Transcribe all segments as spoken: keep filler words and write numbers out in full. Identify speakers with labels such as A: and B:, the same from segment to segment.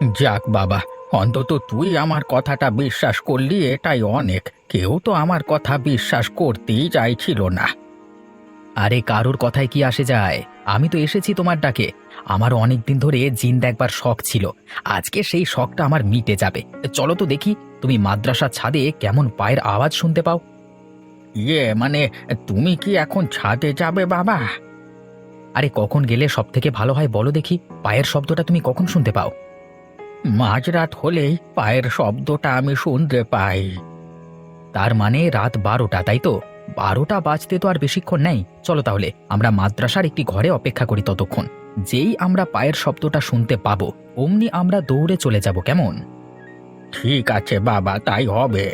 A: যাক বাবা, অন্তত তুই আমার কথাটা বিশ্বাস করলি, এটাই অনেক। কেউ তো আমার কথা বিশ্বাস করতেই চাইছিল না।
B: আরে কারোর কথায় কি আসে যায়? আমি তো এসেছি তোমার ডাকে। আমার অনেক দিন ধরে জিন দেখবার শখ ছিল। আজকে সেই শখটা আমার মিটে যাবে। চলো তো দেখি তুমি মাদ্রাসার ছাদে কেমন পায়ের আওয়াজ শুনতে পাও।
A: ইয়ে মানে, তুমি কি এখন ছাদে যাবে বাবা?
B: আরে কখন গেলে সব থেকে ভালো হয় বলো দেখি, পায়ের শব্দটা তুমি কখন শুনতে পাও?
A: মাঝরাত হলেই পায়ের শব্দটা আমি শুনতে পাই।
B: তার মানে রাত বারোটা, তাই তো? বারোটা বাজতে তো আর বেশিক্ষণ নেই। চলো তাহলে আমরা মাদ্রাসার একটি ঘরে অপেক্ষা করি ততক্ষণ। যেই আমরা পায়ের শব্দটা শুনতে পাবো অমনি আমরা দৌড়ে চলে যাব, কেমন?
A: ঠিক আছে বাবা, তাই হবে।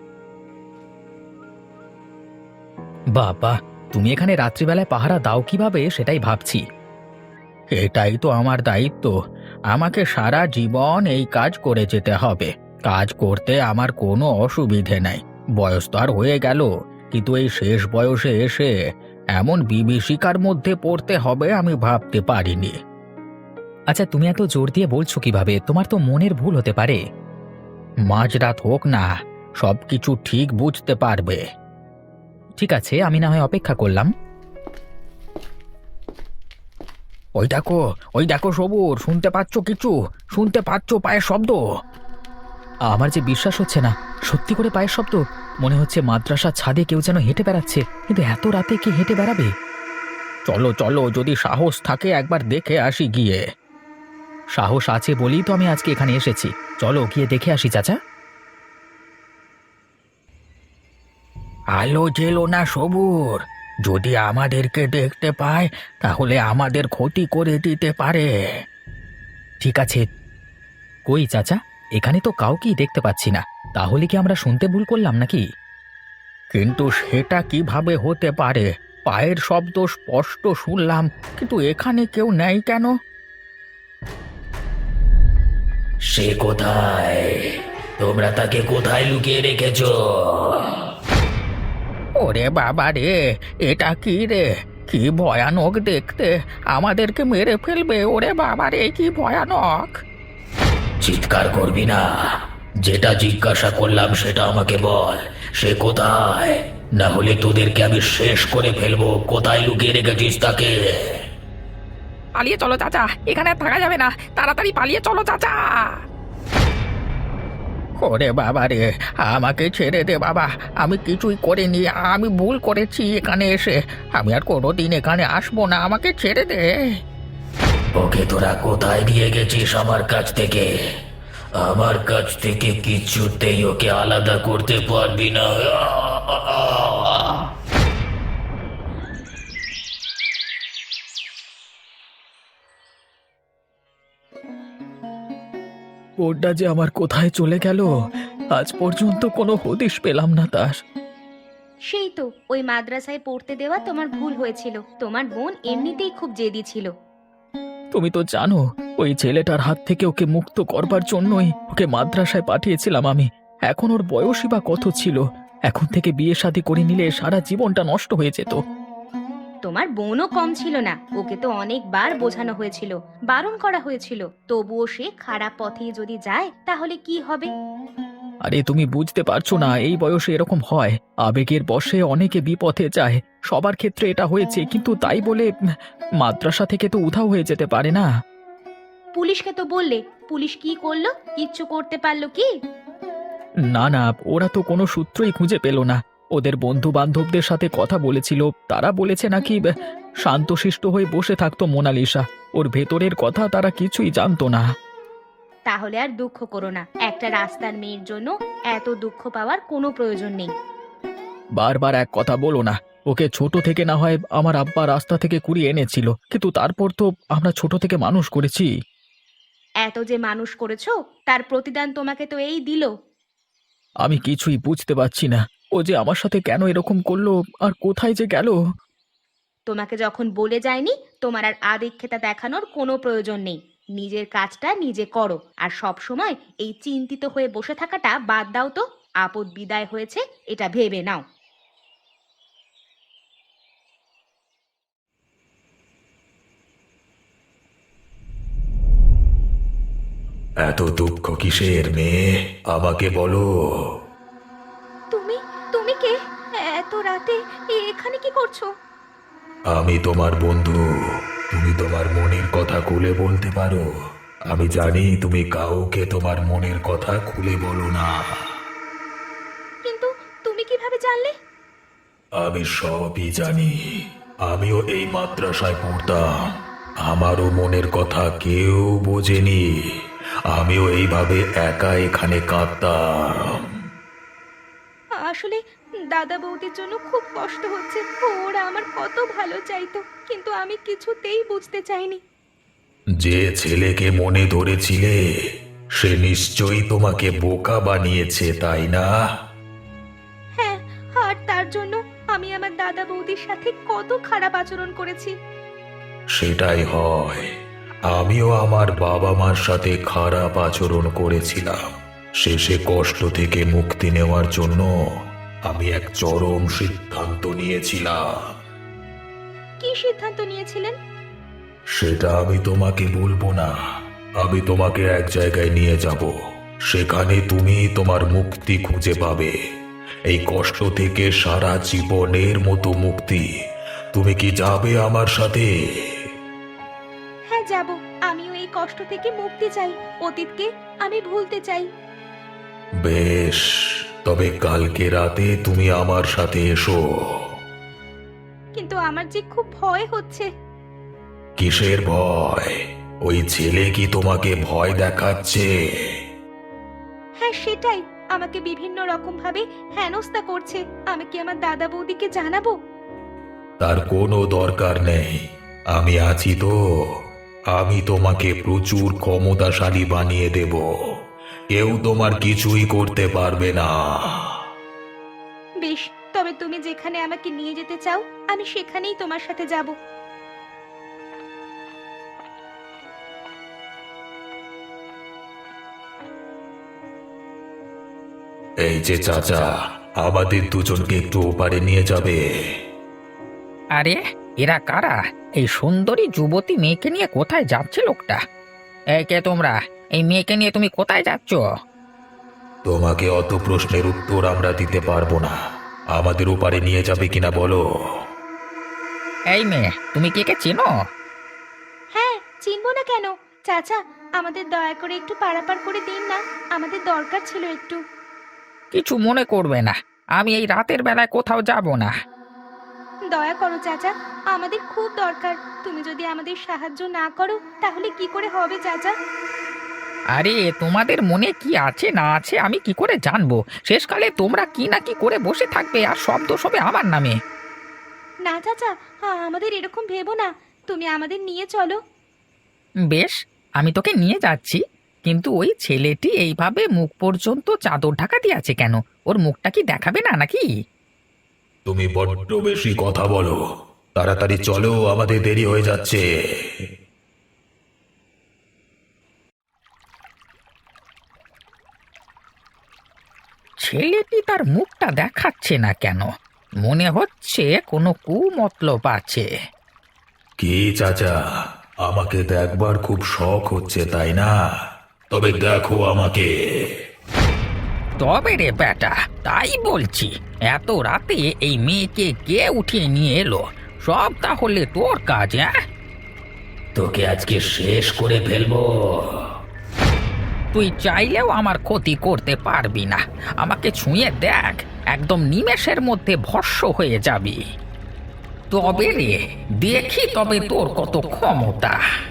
B: বাবা, তুমি এখানে রাত্রিবেলায় পাহারা দাও কিভাবে সেটাই ভাবছি।
A: এটাই তো আমার দায়িত্ব। আমাকে সারা জীবন এই কাজ করে যেতে হবে। কাজ করতে আমার কোনো অসুবিধে নাই। বয়স তো আর হয়ে গেল, কিন্তু এই শেষ বয়সে এসে এমন বিভীষিকার মধ্যে পড়তে হবে আমি ভাবতে পারিনি।
B: আচ্ছা, তুমি এত জোর দিয়ে বলছো কিভাবে? তোমার তো মনের ভুল হতে পারে।
A: মাঝরাত হোক না, সবকিছু ঠিক বুঝতে পারবে।
B: ঠিক আছে, আমি না হয় অপেক্ষা করলাম।
A: ওই দেখো, ওই দেখো সবুর, শুনতে পাচ্ছ কিছু? শুনতে পাচ্ছ পায়ের শব্দ?
B: আমার যে বিশ্বাস হচ্ছে না, সত্যি করে পায়ের শব্দ। মনে হচ্ছে মাদ্রাসার ছাদে কেউ যেন হেঁটে বেড়াচ্ছে, কিন্তু এত রাতে কে হেঁটে বেড়াবে?
A: চলো চলো, যদি সাহস থাকে একবার দেখে আসি গিয়ে।
B: সাহস আছে বলেই তো আমি আজকে এখানে এসেছি। চলো গিয়ে দেখে আসি চাচা।
A: আলো জেলো না সবুর, যদি আমাদেরকে দেখতে পায় তাহলে আমাদের ক্ষতি করে দিতে পারে।
B: ঠিক আছে। কই চাচা, এখানে তো কাউকেই দেখতে পাচ্ছি না। তাহলে কি আমরা শুনতে ভুল করলাম নাকি?
A: কিন্তু সেটা কিভাবে হতে পারে? পায়ের শব্দ স্পষ্ট শুনলাম, কিন্তু এখানে কেউ নেই কেন?
C: সে কোথায়? তোমরা তাকে কোথায় লুকিয়ে রেখেছো?
A: ওরে বাবা রে, এটা কি রে? কি ভয়ানক দেখতে! আমাদেরকে মেরে ফেলবে! ওরে বাবা রে, কি ভয়ানক!
C: চিৎকার করবি না। যেটা জিজ্ঞাসা করলাম সেটা আমাকে বল। সে কোথায়? না হলে তোদেরকে আমি শেষ করে ফেলবো। কোথায় লুকিয়ে রেখেছিস তাকে?
A: পালিয়ে চলো চাচা, এখানে আর থাকা যাবে না। তাড়াতাড়ি পালিয়ে চলো চাচা। ওরে বাবা রে, আমাকে ছেড়ে দে বাবা। আমি কিছুই করিনি, আমি ভুল করেছি এখানে এসে। আমি আর কোনোদিন এখানে আসবো না, আমাকে ছেড়ে দে।
C: ওকে তোরা কোথায় নিয়ে গেছিস আমার কাছ থেকে? আমার কাছ থেকে কিছুতেই ওকে আলাদা করতে পারবি না।
B: বোনটা যে আমার কোথায় চলে গেল, আজ পর্যন্ত কোনো হদিশ পেলাম না তার।
D: সেই তো ওই মাদ্রাসায় পড়তে দেওয়া তোমার ভুল হয়েছিল। তোমার বোন এমনিতেই খুব জেদি ছিল।
B: তুমি তো জানো, ওই ছেলেটার হাত থেকে ওকে মুক্ত করবার জন্যই ওকে মাদ্রাসায় পাঠিয়েছিলাম আমি। এখন ওর বয়সই বা কত ছিল? এখন থেকে বিয়ে শাদী করে নিলে সারা জীবনটা নষ্ট হয়ে যেত।
D: তোমার বোনও কম ছিল না। ওকে তো অনেকবার বোঝানো হয়েছিল, বারণ করা হয়েছিল, তবুও সে খারাপ পথে যদি যায় তাহলে কি হবে?
B: আরে তুমি বুঝতে পারছো না, এই বয়সে এরকম হয়। আবেগের বশে অনেকে বিপথে যায়। সবার ক্ষেত্রে এটা হয়েছে, কিন্তু তাই বলে উম, মাদ্রাসা থেকে তো উধাও হয়ে যেতে পারে না।
D: পুলিশকে তো বললে, পুলিশ কি করলো? কিচ্ছু করতে পারলো কি?
B: না না, ওরা তো কোনো সূত্রই খুঁজে পেল না। ওদের বন্ধু বান্ধবদের সাথে কথা বলেছিল, তারা বলেছে নাকি আহ, শান্তশিষ্ট হয়ে বসে থাকতো মোনালিসা। ওর ভেতরের কথা তারা কিছুই জানতো না।
D: তাহলে আর দুঃখ করো না। একটা রাস্তার মেয়ের জন্য এত দুঃখ পাওয়ার কোনো প্রয়োজন নেই।
B: বারবার এক কথা বলো না। ওকে ছোট থেকে না হয় আমার আব্বা রাস্তা থেকে কুড়িয়ে এনেছিল, কিন্তু তারপর তো আমরা ছোট থেকে মানুষ করেছি।
D: এত যে মানুষ করেছো, তার প্রতিদান তোমাকে তো এই দিল।
B: আমি কিছুই বুঝতে পারছি না, ও যে আমার সাথে কেন এরকম করলো, আর কোথায় যে গেল।
D: তোমাকে যখন বলে যায়নি, তোমার আর আদিক্ষেতা দেখানোর কোনো প্রয়োজন নেই। নিজের কাজটা নিজে করো, আর সব সময় এই চিন্তিত হয়ে বসে থাকাটা বাদ দাও তো। আপদ বিদায় হয়েছে, এটা ভেবে নাও।
C: এত দুঃখ কিসের মেয়ে, আমাকে বলো।
D: তুমি তুমি কে? এত রাতে এখানে কি করছো?
C: আমি তোমার বন্ধু। তুমি তোমার মনের কথা খুলে বলতে পারো। আমি জানি তুমি কাউকে তোমার মনের কথা খুলে বলো না।
D: কিন্তু তুমি কিভাবে জানলে?
C: আমি সবই জানি। আমিও এই মাদ্রাসায় পড়তাম। আমারও মনের কথা কেউ বোঝেনি। আমিও এইভাবে একা এখানে কাঁদতাম।
D: আসলে দাদা বৌদির জন্য খুব কষ্ট হচ্ছে। ওরা আমার কত ভালো চাইতো, কিন্তু আমি কিছুতেই বুঝতে চাইনি।
C: যে ছেলেকে মনে ধরেছিলে সে নিশ্চয়ই তোমাকে বোকা বানিয়েছে, তাই না?
D: হ্যাঁ, আর তার জন্য আমি আমার দাদা বৌদির সাথে কত খারাপ আচরণ করেছি।
C: সেটাই হয়। আমিও আমার বাবা মার সাথে খারাপ আচরণ করেছিলাম। শেষে কষ্ট থেকে মুক্তি নেওয়ার জন্য আমি এক চরম সিদ্ধান্ত নিয়েছিলাম।
D: কি সিদ্ধান্ত নিয়েছিলেন?
C: সেটা আমি তোমাকে বলবো না। আমি তোমাকে এক জায়গায় নিয়ে যাব। সেখানে তুমি তোমার মুক্তি খুঁজে পাবে। এই কষ্ট থেকে সারা জীবনের মতো মুক্তি। তুমি কি যাবে আমার সাথে?
D: হ্যাঁ, যাব। আমিও এই কষ্ট থেকে মুক্তি চাই। অতীতকে আমি ভুলতে চাই।
C: বেশ, তবে কালকে রাতে তুমি আমার সাথে এসো।
D: কিন্তু আমার যে খুব ভয় হচ্ছে।
C: কিসের ভয়? ওই ছেলে কি তোমাকে ভয় দেখাচ্ছে?
D: হ্যাঁ, সেটাই। আমাকে বিভিন্ন রকম ভাবে হেনস্থা করছে। আমি কি আমার দাদা বৌদিকে জানাবো?
C: তার কোনো দরকার নেই। আমি আছি তো। আমি তোমাকে প্রচুর ক্ষমতাশালী বানিয়ে দেব। কেউ তোমার কিছুই করতে পারবে না।
D: বেশ, তবে তুমি যেখানে আমাকে নিয়ে যেতে চাও আমি সেখানেই তোমার সাথে যাব।
C: এই যে চাচা, আমাদের দুজনকে একটু ওপারে নিয়ে যাবে।
B: আরে এরা কারা? এই সুন্দরী যুবতী মেয়েকে নিয়ে কোথায় যাচ্ছে লোকটা? এই কে তোমরা? এই মেয়েকে নিয়ে তুমি কোথায় যাচ্ছ?
C: তোমাকে অত প্রশ্নের উত্তর আমরা দিতে পারবো না। আমাদের ওপারে নিয়ে যাবে কিনা বলো।
B: এই মেয়ে, তুমি কে কে চেনো?
D: হ্যাঁ, চিনবো না কেন? চাচা, আমাদের দয়া করে একটু পারাপার করে দিন না। আমাদের দরকার ছিল একটু।
B: কিছু মনে করবে না, আমি এই রাতের বেলায় কোথাও যাব না।
D: দয়া করো চাচা, আমাদের খুব দরকার। তুমি যদি আমাদের সাহায্য না করো তাহলে কি করে হবে চাচা?
B: আরে তোমাদের মনে কি আছে না আছে আমি কি করে জানবো? শেষকালে তোমরা কি না কি করে বসে থাকবে আর সব দোষ হবে আমার নামে।
D: না চাচা, হ্যাঁ, আমাদের এরকম ভেবো না। তুমি আমাদের নিয়ে চলো।
B: বেশ, আমি তোকে নিয়ে যাচ্ছি, কিন্তু ওই ছেলেটি এইভাবে মুখ পর্যন্ত চাদর ঢাকা দিয়ে আছে কেন? ওর মুখটা কি দেখাবে না নাকি?
C: তুমি বড্ড বেশি কথা বলো। তাড়াতাড়ি চলো, আমাদের দেরি হয়ে যাচ্ছে।
B: ছেলেটি তার মুখটা দেখাচ্ছে না কেন? মনে হচ্ছে কোনো কুমতলব আছে।
C: কি চাচা, আমাকে দেখবার খুব শখ হচ্ছে তাই না? তবে দেখো আমাকে।
B: তবে রে বেটা, তাই বলছি। এত রাতে এই মেয়েকে কে উঠিয়ে নিয়ে এলো? সব তাহলে তোর কাজ? হ্যাঁ,
C: তোকে আজকে শেষ করে ফেলবো।
B: তুই চাইলেও আমার ক্ষতি করতে পারবি না। আমাকে ছুঁয়ে দেখ, একদম নিমেষের মধ্যে ভস্ম হয়ে যাবি। তবে রে, দেখি তবে তোর কত ক্ষমতা।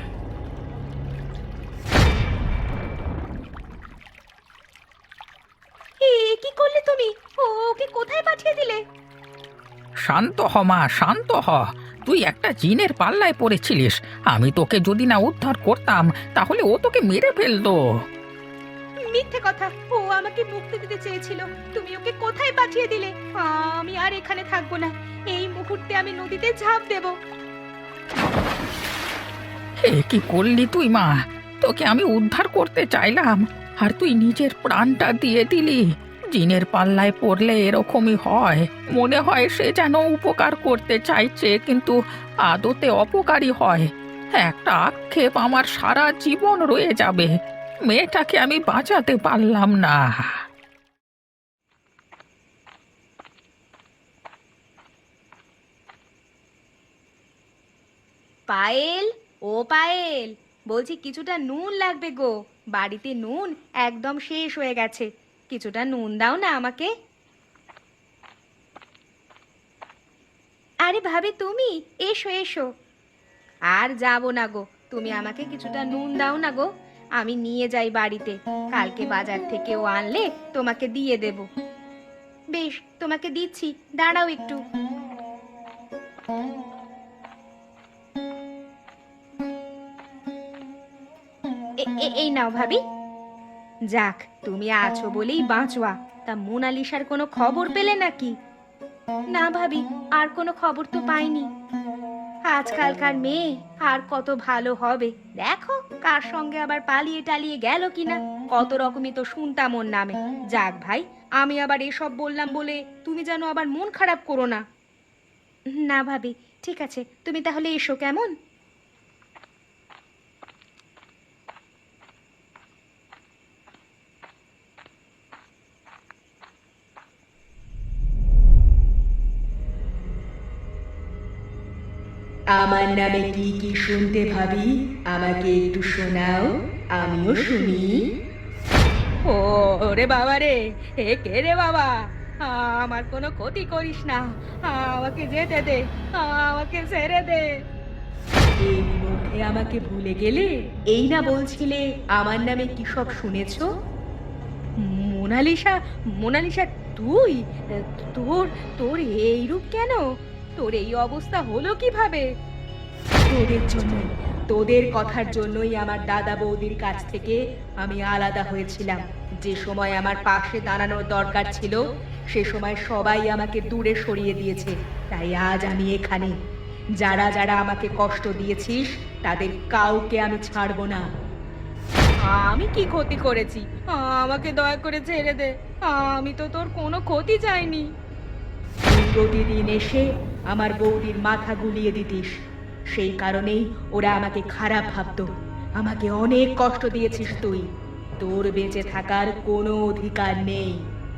D: এ কি করলে তুমি? ও, ওকে কোথায় পাঠিয়ে দিলে?
B: শান্ত হ মা, শান্ত হ। তুই একটা জিনের পাল্লায় পড়েছিলিস। আমি তোকে যদি না উদ্ধার করতাম তাহলে ও তোকে মেরে ফেলতো।
D: মিথ্যে কথা। ও আমাকে মুক্তি দিতে চেয়েছিল। তুমি ওকে কোথায় পাঠিয়ে দিলে? আমি আর এখানে থাকবো না। এই মুহূর্তে আমি নদীতে ঝাঁপ দেব।
B: হে, কি করলি তুই মা? তোকে আমি উদ্ধার করতে চাইলাম আর তুই নিজের প্রাণটা দিয়ে দিলি। জিনের পাল্লায় পড়লে এরকমই হয়। মনে হয় সে যেন উপকার করতে চাইছে, কিন্তু আদতে অপকারী হয়। একটা আক্ষেপ আমার সারা জীবন রয়ে যাবে।
A: মেয়েটাকে আমি বাঁচাতে পারলাম না।
D: পায়েল, ও পায়েল, বলছি কিছুটা নুন লাগবে গো। বাড়িতে নুন একদম শেষ হয়ে গেছে, কিছুটা নুন দাও না আমাকে। আরে ভাবি তুমি, এসো এসো। আর যাবো না গো, তুমি আমাকে কিছুটা নুন দাও না গো, আমি নিয়ে যাই বাড়িতে। কালকে বাজার থেকে ও আনলে তোমাকে দিয়ে দেব। বেশ, তোমাকে দিচ্ছি, দাঁড়াও একটু। এ- এ- এই নাও ভাবি। যাক, তুমি আছো বলেই বাঁচোয়া। তা মোনালিসার কোনো খবর পেলে নাকি? না ভাবি, আর কোনো খবর তো পাইনি। আজকালকার মেয়ে আর কত ভালো হবে, দেখো কার সঙ্গে আবার পালিয়ে টালিয়ে গেল কিনা। কত রকমই তো শুনতাম ওর নামে। যাক ভাই, আমি আবার এসব বললাম বলে তুমি যেন আবার মন খারাপ করো না। না ভাবি, ঠিক আছে, তুমি তাহলে এসো কেমন।
E: আমার নামে কি কি শুনতে ভাবি, আমাকে একটু শোনাও, আমিও শুনি।
D: ও রে বাবা রে, এ কে রে বাবা? আমার কোনো ক্ষতি করিস না, আমাকে যেতে দে, আমাকে ছেড়ে দে।
E: এর মধ্যে আমাকে ভুলে গেলে? এই না বলছিলে আমার নামে কি সব শুনেছো?
D: মোনালিসা, মোনালিসা তুই? তোর তোর এই রূপ কেন? তোর এই অবস্থা হলো কিভাবে?
E: তোদের জন্যই, তোদের কথার জন্যই আমার দাদা বৌদির কাছ থেকে আমি আলাদা হয়েছিলাম। যে সময় আমার পাশে দাঁড়ানোর দরকার ছিল, সে সময় সবাই আমাকে দূরে সরিয়ে দিয়েছে। তাই আজ আমি এখানে। যারা যারা আমাকে কষ্ট দিয়েছিস, তাদের কাউকে আমি ছাড়বো না।
D: আমি কি ক্ষতি করেছি? আমাকে দয়া করে ছেড়ে দে, আমি তো তোর কোনো ক্ষতি চাইনি।
E: তুই প্রতিদিন এসে আমার বৌদির মাথা গুলিয়ে দিতিস, সেই কারণেই ওরা আমাকে খারাপ ভাবতো। আমাকে অনেক কষ্ট দিয়েছিস তুই, তোর বেঁচে থাকার কোনো অধিকার নেই।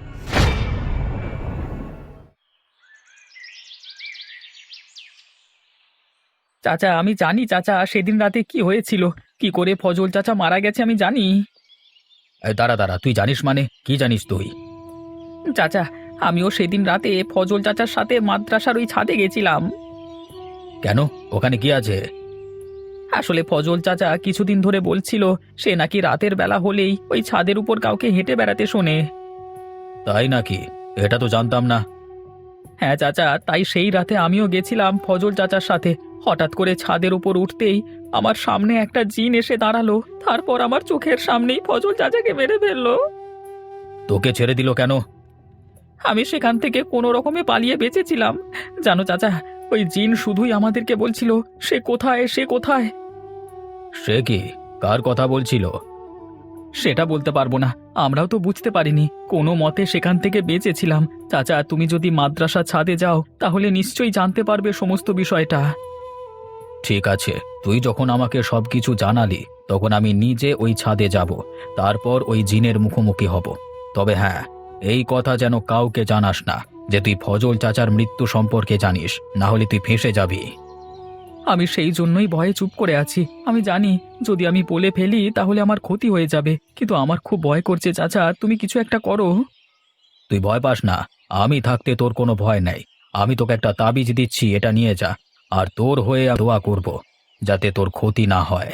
B: চাচা, আমি জানি চাচা সেদিন রাতে কি হয়েছিল, কি করে ফজল চাচা মারা গেছে আমি জানি।
A: এই দাঁড়া দাঁড়া, তুই জানিস মানে কি জানিস তুই?
B: চাচা, আমিও সেদিন রাতে ফজল চাচার সাথে মাদ্রাসার ওই ছাদে গেছিলাম।
A: কেন, ওখানে কি আছে?
B: আসলে ফজল চাচা কিছুদিন ধরে বলছিল সে নাকি রাতের বেলা হলেই ওই ছাদের উপর কাউকে হেঁটে বেড়াতে শোনে।
A: তাই নাকি? এটা তো জানতাম না।
B: হ্যাঁ চাচা, তাই সেই রাতে আমিও গেছিলাম ফজল চাচার সাথে। হঠাৎ করে ছাদের উপর উঠতেই আমার সামনে একটা জিন এসে দাঁড়ালো, তারপর আমার চোখের সামনেই ফজল চাচাকে মেরে ফেললো।
A: তোকে ছেড়ে দিল কেন?
B: আমি সেখান থেকে কোনো রকমে পালিয়ে বেঁচেছিলাম। জানো চাচা, ওই জিন শুধুই আমাদেরকে বলছিল সে কোথায়, সে কোথায়।
A: সে কি, কার কথা বলছিল?
B: সেটা বলতে পারবো না, আমরাও তো বুঝতে পারিনি। কোনো মতে সেখান থেকে বেঁচেছিলাম। চাচা, তুমি যদি মাদ্রাসা ছাদে যাও তাহলে নিশ্চয়ই জানতে পারবে সমস্ত বিষয়টা।
A: ঠিক আছে, তুই যখন আমাকে সবকিছু জানালি, তখন আমি নিজে ওই ছাদে যাব, তারপর ওই জিনের মুখোমুখি হব। তবে হ্যাঁ, এই কথা যেন কাউকে জানাস না যে তুই ফজল চাচার মৃত্যু সম্পর্কে জানিস, না হলে তুই ফেঁসে যাবি।
B: আমি সেই জন্যই ভয়ে চুপ করে আছি। আমি জানি যদি আমি বলে ফেলি তাহলে আমার ক্ষতি হয়ে যাবে, কিন্তু আমার খুব ভয় করছে চাচা, তুমি কিছু একটা করো।
A: তুই ভয় পাস না, আমি থাকতে তোর কোনো ভয় নেই। আমি তোকে একটা তাবিজ দিচ্ছি, এটা নিয়ে যা, আর তোর হয়ে আমি দোয়া করব যাতে তোর ক্ষতি না হয়।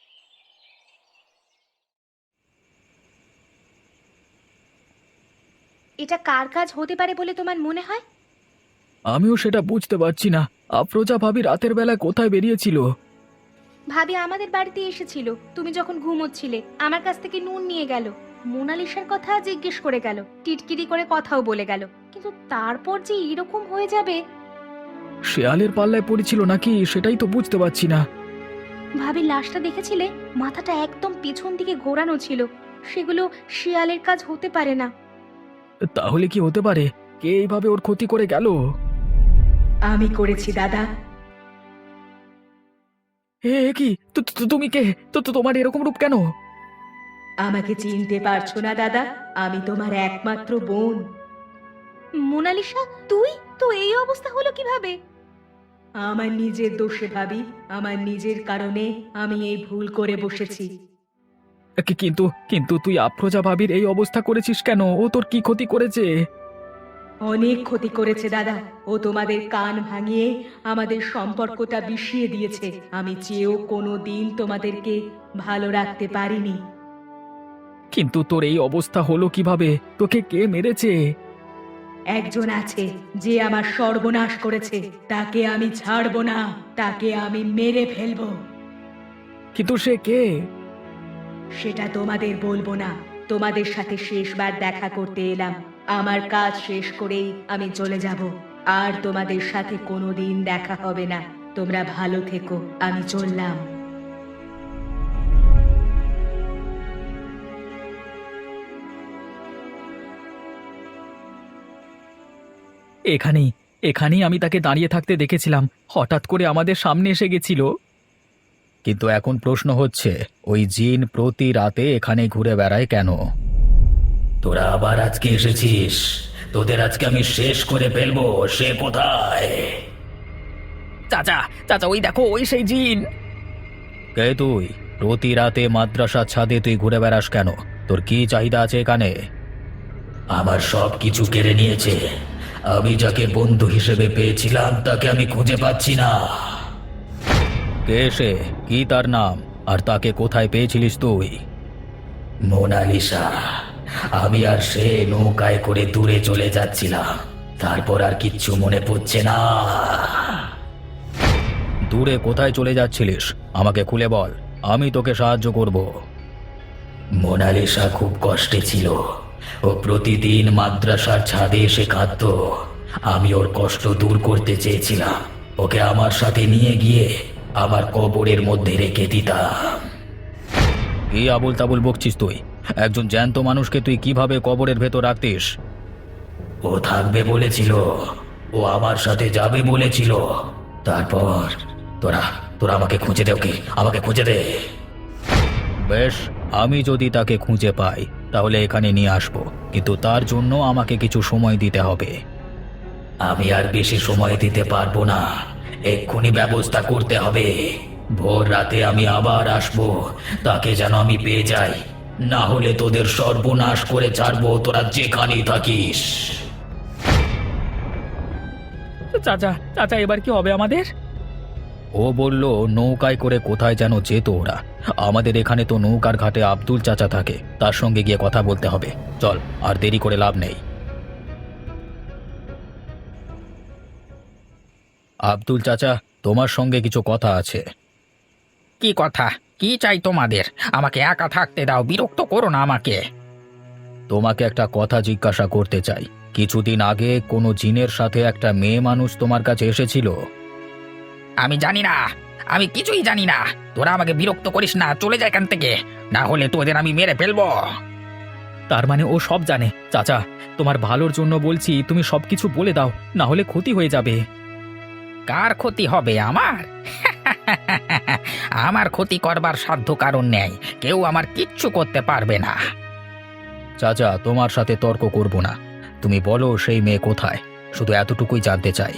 D: এটা কার কাজ হতে পারে বলে তোমার মনে হয়?
B: আমিও সেটা বুঝতে পারছি না। আফরোজা ভাবি রাতের বেলা কোথায় বেরিয়েছিল?
D: ভাবি আমাদের বাড়িতে এসেছিল, তুমি যখন ঘুমোচ্ছিলে। আমার কাছ থেকে নুন নিয়ে গেল, মোনালিসার কথা জিজ্ঞেস করে গেল, টিটকিরি করে কথাও বলে গেল, কিন্তু তারপর যে এরকম হয়ে যাবে।
B: শেয়ালের পাল্লায় পড়েছিল নাকি, সেটাই তো বুঝতে পারছি না।
D: ভাবি লাশটা দেখেছিলে? মাথাটা একদম পিছন দিকে ঘোরানো ছিল। সেগুলো শিয়ালের কাজ হতে পারে না।
B: তাহলে কি হতে পারে? কে এইভাবে ওর ক্ষতি করে গেল?
E: আমি করেছি দাদা।
B: এ কি, তু- তু- তুমি কে? তো তো তোমার এরকম রূপ কেন?
E: আমাকে চিনতে পারছো না দাদা? আমি তোমার একমাত্র বোন।
D: মোনালিসা, তুই? তো এই অবস্থা হলো কিভাবে?
E: আমার নিজের দোষে ভাবি, আমার নিজের কারণে আমি এই ভুল করে বসেছি।
B: কি- কিন্তু কিন্তু তুই আফরোজা ভাবির এই অবস্থা করেছিস কেন? ও তোর কি ক্ষতি করেছে?
E: অনেক ক্ষতি করেছে দাদা। ও তোমাদের কান ভাঙিয়ে আমাদের সম্পর্কটা বিষিয়ে দিয়েছে। আমি চেয়েও কোনো দিন তোমাদেরকে ভালো রাখতে পারিনি।
B: কিন্তু তোর এই অবস্থা হলো কিভাবে? তোকে কে মেরেছে?
E: একজন আছে যে আমার সর্বনাশ করেছে, তাকে আমি ছাড়বো না, তাকে আমি মেরে ফেলবো।
B: কিন্তু সে কে?
E: সেটা তোমাদের বলবো না। তোমাদের সাথে শেষবার দেখা করতে এলাম। আমার কাজ শেষ করেই আমি চলে যাব, আর তোমাদের সাথে কোনোদিন দেখা হবে না। তোমরা ভালো থেকো, আমি চললাম।
B: এখানেই এখানেই আমি তাকে দাঁড়িয়ে থাকতে দেখেছিলাম। হঠাৎ করে আমাদের সামনে এসে গেছিল। কিন্তু এখন প্রশ্ন হচ্ছে, ওই জিন প্রতি রাতে এখানে ঘুরে বেড়ায় কেন?
C: তোরা আবার আজকে এসেছিস? তোদের আজকে আমি শেষ করে ফেলবো। সে কোথায়?
B: চাচা চাচা, ওই দেখো, ওই সেই জিন। কে তুই? প্রতি রাতে মাদ্রাসার ছাদে তুই ঘুরে বেড়াস কেন? তোর কি চাহিদা আছে এখানে?
C: আমার সব কিছু কেড়ে নিয়েছে। আমি যাকে বন্ধু হিসেবে পেয়েছিলাম তাকে আমি খুঁজে পাচ্ছি না।
B: কে সে? কি তার নাম? আর তাকে কোথায় পেয়েছিলিস তুই?
C: মোনালিসা। আমি আর সে নৌকায় করে দূরে চলে যাচ্ছিলাম। তারপর আর কিচ্ছু মনে পড়ছে না।
B: দূরে কোথায় চলে যাচ্ছিলিস? আমাকে খুলে বল, আমি তোকে সাহায্য করব।
C: মোনালিসা খুব কষ্টে ছিল। ও প্রতিদিন মাদ্রাসার ছাদে এসে কাঁদত। আমি ওর কষ্ট দূর করতে চেয়েছিলাম। ওকে আমার সাথে নিয়ে গিয়ে আমার কবরের মধ্যে রেখে দিতাম।
B: কি আবুল তাবুল বকছিস তুই? একজন জ্যান্ত মানুষকে তুই কিভাবে কবরের ভেতর রাখতিস?
C: ও থাকবে বলেছিল, ও আমার সাথে যাবে বলেছিল। তারপর তোরা তোরা আমাকে খুঁজে দে, ওকে আমাকে খুঁজে দে।
B: বেশ, আমি যদি তাকে খুঁজে পাই তাহলে এখানে নিয়ে আসব, কিন্তু তার জন্য আমাকে কিছু সময় দিতে হবে।
C: আমি আর বেশি সময় দিতে পারবো না। এক্ষুনি ব্যবস্থা করতে হবে। ভোর রাতে আমি আবার আসবো। তাকে যেন আমি পেয়ে যাই, না হলে তোদের সর্বনাশ করে ছাড়বো, তোরা যেখানেই থাকিস।
B: চাচা চাচা, এবার কি হবে আমাদের? ও বলল নৌকায় করে কোথায় যেন যেত ওরা। আমাদের এখানে তো নৌকার ঘাটে আব্দুল চাচা থাকে, তার সঙ্গে গিয়ে কথা বলতে হবে। চল, আর দেরি করে লাভ নেই। আব্দুল চাচা, তোমার সঙ্গে কিছু কথা আছে। কি কথা? কি চাই তোমাদের? আমাকে একা থাকতে দাও, বিরক্ত করো না আমাকে। তোমাকে একটা কথা জিজ্ঞাসা করতে চাই। কিছুদিন আগে কোনো জিনের সাথে একটা মেয়ে মানুষ তোমার কাছে এসেছিল। আমি জানি না, আমি কিছুই জানি না। তোরা আমাকে বিরক্ত করিস না, চলে যায় এখান থেকে, না হলে তোদের আমি মেরে ফেলবো। তার মানে ও সব জানে? চাচা, তোমার ভালোর জন্য বলছি, তুমি সবকিছু বলে দাও, না হলে ক্ষতি হয়ে যাবে। কার ক্ষতি হবে? আমার? আমার ক্ষতি করবার সাধ্য কারণ নেই। কেউ আমার কিচ্ছু করতে পারবে না। চাচা, তোমার সাথে তর্ক করব না। তুমি বলো সেই মেয়ে কোথায়? শুধু এতটুকুই জানতে চাই।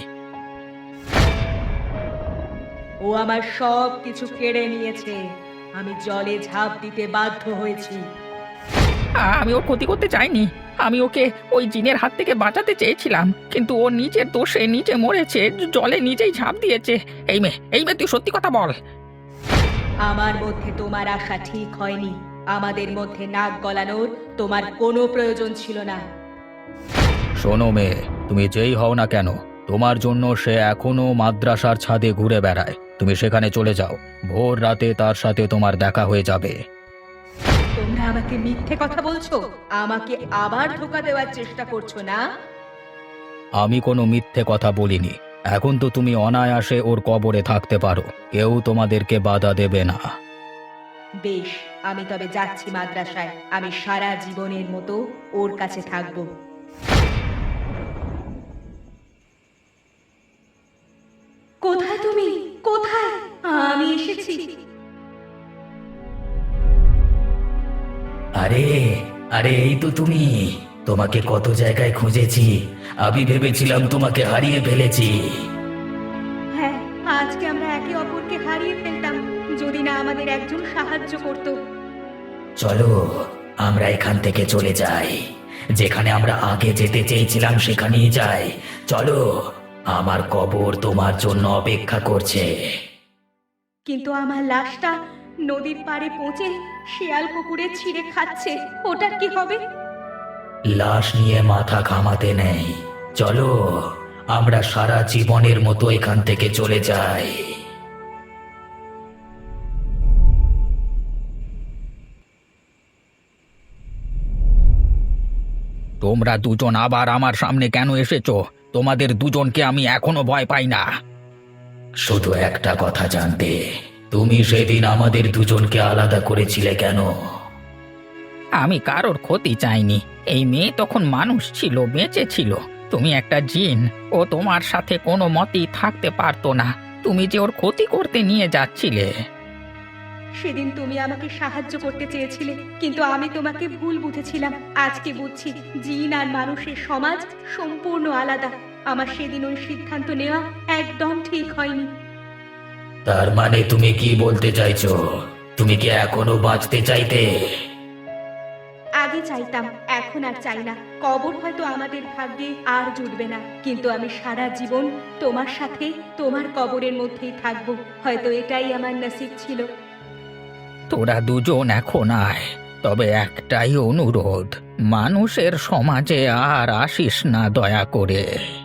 E: ও আমার সব কিছু কেড়ে নিয়েছে। আমি জলে ঝাঁপ দিতে বাধ্য হয়েছি।
B: আমি ওর ক্ষতি করতে চাইনি। আমি ওকে ওই জিনের হাত থেকে বাঁচাতে চেয়েছিলাম, কিন্তু ও নিজের দোষে নিজে মরেছে, জলে নিজেই ঝাঁপ দিয়েছে। এই মেয়ে, এই মেয়ে, তুই সত্যি কথা বল।
E: আমার মধ্যে তোমার আশা ঠিক হয়নি। আমাদের মধ্যে নাক গলানোর তোমার কোনো প্রয়োজন ছিল না।
B: শোনো মেয়ে, তুমি যেই হও না কেন, তোমার জন্য সে এখনো মাদ্রাসার ছাদে ঘুরে বেড়ায়। তুমি সেখানে চলে যাও, ভোর রাতে তার সাথে তোমার দেখা হয়ে যাবে।
E: তোমরা আমাকে মিথ্যে কথা বলছো, আমাকে আবার ধোঁকা দেওয়ার চেষ্টা করছো না?
B: আমি কোনো মিথ্যে কথা বলিনি। এখন তো তুমি অনায়াসে ওর কবরে থাকতে পারো, কেউ তোমাদেরকে বাধা দেবে না।
E: বেশ, আমি তবে যাচ্ছি মাদ্রাসায়। আমি সারা জীবনের মতো ওর কাছে থাকবো। কোথায় তুমি? কোথায়? আমি এসেছি।
B: আরে আরে এই তো তুমি। তোমাকে কত জায়গায় খুঁজেছি, আমি ভেবেছিলাম তোমাকে হারিয়ে ফেলেছি।
E: হ্যাঁ, আজকে আমরা একে অপরকে হারিয়ে ফেলতাম যদি না আমাদের একজন সাহায্য করত।
B: চলো আমরা এখান থেকে চলে যাই, যেখানে আমরা আগে যেতে চেয়েছিলাম সেখানেই যাই। চলো, আমার কবর তোমার জন্য অপেক্ষা করছে।
E: কিন্তু আমার লাশটা নদীর পাড়ে পৌঁছে শিয়াল কুকুরে ছিঁড়ে খাচ্ছে, ওটার কি হবে?
B: লাশ নিয়ে মাথা ঘামাতে নেই, চলো আমরা সারা জীবনের মতো এখান থেকে চলে যাই।
A: তোমরা দুজন আবার আমার সামনে কেন এসেছো? তোমাদের দুজনকে আমি এখনো ভয় পাই না।
B: শুধু একটা কথা জানতে, তুমি সেদিন আমাদের দুজনকে আলাদা করেছিলে কেন?
A: আমি কারোর ক্ষতি চাইনি। এই মেয়ে তখন মানুষ ছিল, বেঁচে ছিল। তুমি একটা জিন, ও তোমার সাথে কোনো মতেই থাকতে পারতো না। তুমি যে ওর ক্ষতি করতে নিয়ে যাচ্ছিলে।
E: সেদিন তুমি আমাকে সাহায্য করতে চেয়েছিলে, কিন্তু আমি তোমাকে ভুল বুঝেছিলাম। আজকে বুঝছি জিন আর মানুষের সমাজ সম্পূর্ণ আলাদা। আমার সেদিন ওই সিদ্ধান্ত নেওয়া একদম ঠিক হয়নি।
B: তার মানে তুমি কি বলতে চাইছো? তুমি কি এখনো বাঁচতে চাইতে?
E: আগে চাইতাম, এখন আর চাই না। কবর হয়তো আমাদের ভাগ্যে আর জুটবে না, কিন্তু আমি সারা জীবন তোমার সাথে তোমার কবরের মধ্যেই থাকবো। হয়তো এটাই আমার নসিব ছিল।
A: তোরা দুজন এখন আয়, তবে একটাই অনুরোধ, মানুষের সমাজে আর আসিস না দয়া করে।